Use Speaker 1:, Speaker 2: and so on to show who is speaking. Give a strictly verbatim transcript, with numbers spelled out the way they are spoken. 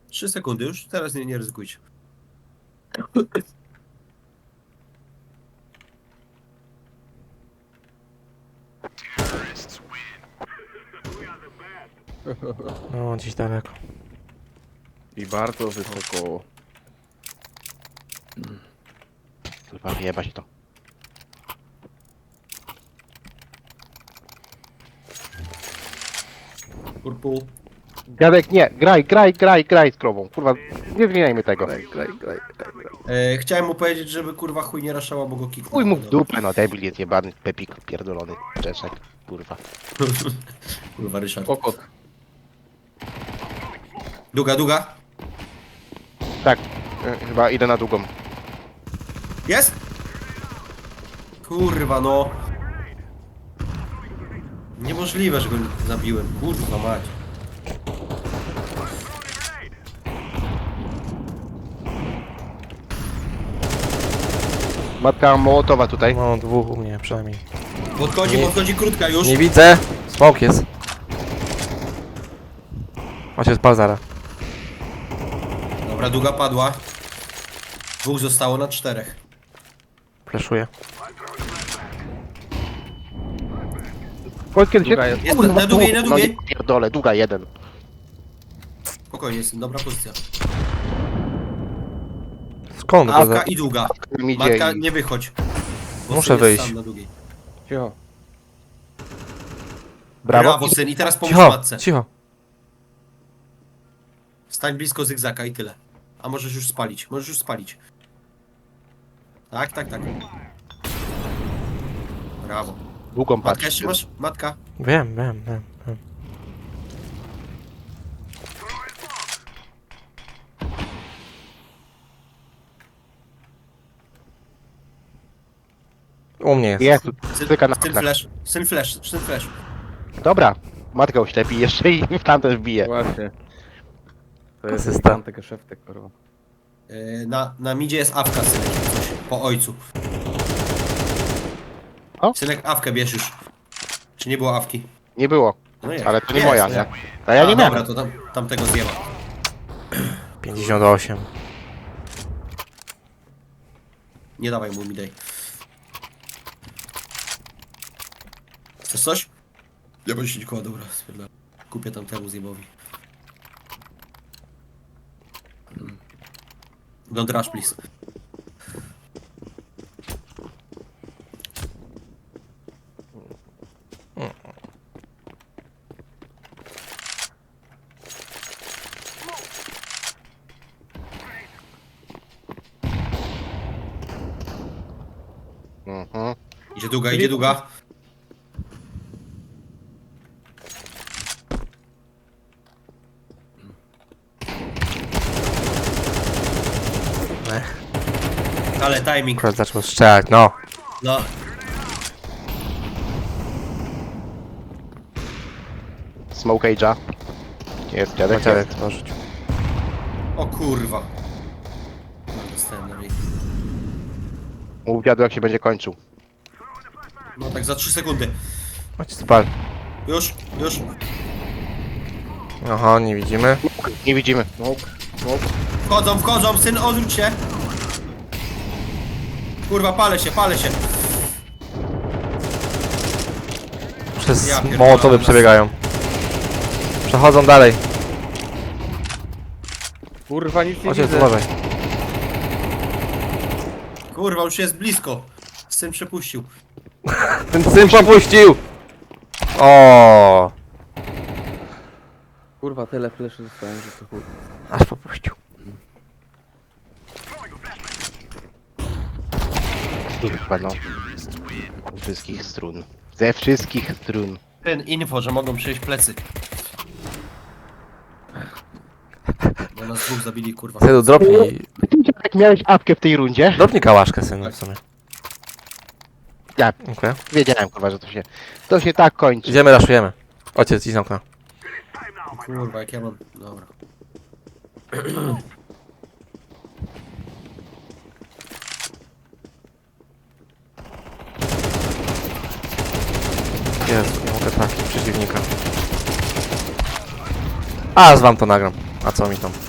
Speaker 1: Trzy sekundy już, teraz nie, nie ryzykujcie.
Speaker 2: No, gdzieś daleko.
Speaker 3: I bardzo wysoko.
Speaker 4: Kurwa, wyjebać to.
Speaker 1: Purple.
Speaker 4: Dziadek, nie, graj, graj, graj, graj z krową. Kurwa, nie zmieniajmy tego.
Speaker 3: Graj, graj, graj, graj, graj.
Speaker 1: E, chciałem mu powiedzieć, żeby kurwa chuj nie raszała, bo go kiknął.
Speaker 4: Chuj mu w dupę, no debil jest jebany, pepik pierdolony, czeszek, kurwa.
Speaker 1: Kurwa, Ryszard.
Speaker 3: Kokot.
Speaker 1: Długa, długa.
Speaker 4: Tak, y, chyba idę na długą.
Speaker 1: Jest? Kurwa, no. Niemożliwe, że go zabiłem. Kurwa mać.
Speaker 4: Matka Mołotowa tutaj.
Speaker 2: No, dwóch u mnie przynajmniej.
Speaker 1: Podchodzi,
Speaker 2: Nie.
Speaker 1: podchodzi krótka już.
Speaker 2: Nie widzę! Smok jest. Macie spal zara.
Speaker 1: Dobra, długa padła. Dwóch zostało na czterech.
Speaker 2: Fleszuję.
Speaker 4: Chodź kiedy się...
Speaker 3: Długa jest.
Speaker 1: Jest na długiej, na
Speaker 4: No
Speaker 1: długiej.
Speaker 4: nie pierdolę, długa jeden.
Speaker 1: Spokojnie, jest dobra pozycja.
Speaker 2: Skąd to
Speaker 1: Awka
Speaker 2: za...
Speaker 1: i długa.
Speaker 4: Mi idzie
Speaker 1: Matka,
Speaker 4: i...
Speaker 1: nie wychodź. Bo
Speaker 2: Muszę
Speaker 1: syn jest
Speaker 2: wyjść.
Speaker 1: sam na długiej.
Speaker 3: Cicho.
Speaker 4: Brawo.
Speaker 1: Brawo, syn. I teraz pomóż
Speaker 2: Cicho,
Speaker 1: matce.
Speaker 2: cicho.
Speaker 1: Stań blisko zygzaka i tyle. A możesz już spalić, możesz już spalić. Tak, tak, tak. Brawo.
Speaker 4: Długą
Speaker 1: Matka
Speaker 4: patrz.
Speaker 1: jeszcze masz? Matka.
Speaker 2: Wiem, wiem, wiem, wiem. U mnie jest.
Speaker 4: Jest,
Speaker 1: Syn,
Speaker 4: styka na
Speaker 1: syn
Speaker 4: oknach.
Speaker 1: flash, syn flash, syn flash.
Speaker 4: Dobra, matkę oślepi jeszcze i w tamten wbije.
Speaker 3: Właśnie. To jest
Speaker 2: Asysta.
Speaker 3: tam tego szeftek, kurwa.
Speaker 1: Yy, na, na midzie jest awka, synek. Coś, po ojcu.
Speaker 4: O?
Speaker 1: Synek, awkę bierz już. Czy nie było awki?
Speaker 4: Nie było,
Speaker 1: No jest.
Speaker 4: ale to nie
Speaker 1: Jest,
Speaker 4: moja,
Speaker 1: no.
Speaker 4: nie? A ja
Speaker 1: A,
Speaker 4: nie
Speaker 1: dobra,
Speaker 4: miałem.
Speaker 1: to tam, tamtego zjeba.
Speaker 2: pięćdziesiąt osiem.
Speaker 1: Nie dawaj mu mi daj. Chcesz coś? Ja bym się koła, dobra, spierdalam. Kupię tamtemu zjebowi. Don't rush, please.
Speaker 4: Mhm.
Speaker 1: Idzie długa, idzie długa.
Speaker 2: Ech,
Speaker 1: Ale timing.
Speaker 2: akurat zaczął strzelać, no.
Speaker 1: No.
Speaker 4: Smoke Age'a. Jest dziadek,
Speaker 2: Dziadek
Speaker 4: jest.
Speaker 2: tworzyć.
Speaker 1: O kurwa. Dostałem na ryj.
Speaker 4: Mów dziadu jak się będzie kończył.
Speaker 1: No tak za trzy sekundy.
Speaker 2: Macie spal.
Speaker 1: Już, już.
Speaker 2: Aha, nie widzimy.
Speaker 4: Nie widzimy.
Speaker 3: Smoke, smoke.
Speaker 1: Wchodzą, wchodzą, syn, odwróć się. Kurwa, palę się, palę się.
Speaker 2: Przez
Speaker 1: Ja pierdolę,
Speaker 2: mołotowy
Speaker 1: nas-
Speaker 2: przebiegają. Przechodzą dalej.
Speaker 3: Kurwa, nic nie
Speaker 2: Ojciec,
Speaker 3: widzę.
Speaker 2: uważaj.
Speaker 1: Kurwa, już jest blisko. Syn przepuścił.
Speaker 2: Ten syn popuścił! O,
Speaker 3: Kurwa, tyle fleszy dostałem, że to chuj.
Speaker 2: aż popuścił.
Speaker 4: Kurwa no. Ze wszystkich strun. Ze wszystkich strun.
Speaker 1: Ten info, że mogą przyjść plecy. Bo nas dwóch zabili, kurwa.
Speaker 2: Synu, dropnij,
Speaker 4: Jak miałeś apkę w tej rundzie?
Speaker 2: dropnij kałaszkę, synu, w sumie.
Speaker 4: Ja
Speaker 2: Okej.
Speaker 4: wiedziałem kurwa, że to się... To się tak kończy.
Speaker 2: Idziemy, raszujemy. Ojciec, idź z okna.
Speaker 1: Kurwa, jak ja mam... Dobra.
Speaker 2: Jezu, nie mogę trafić przeciwnika. A, z wam to nagram. A co mi tam?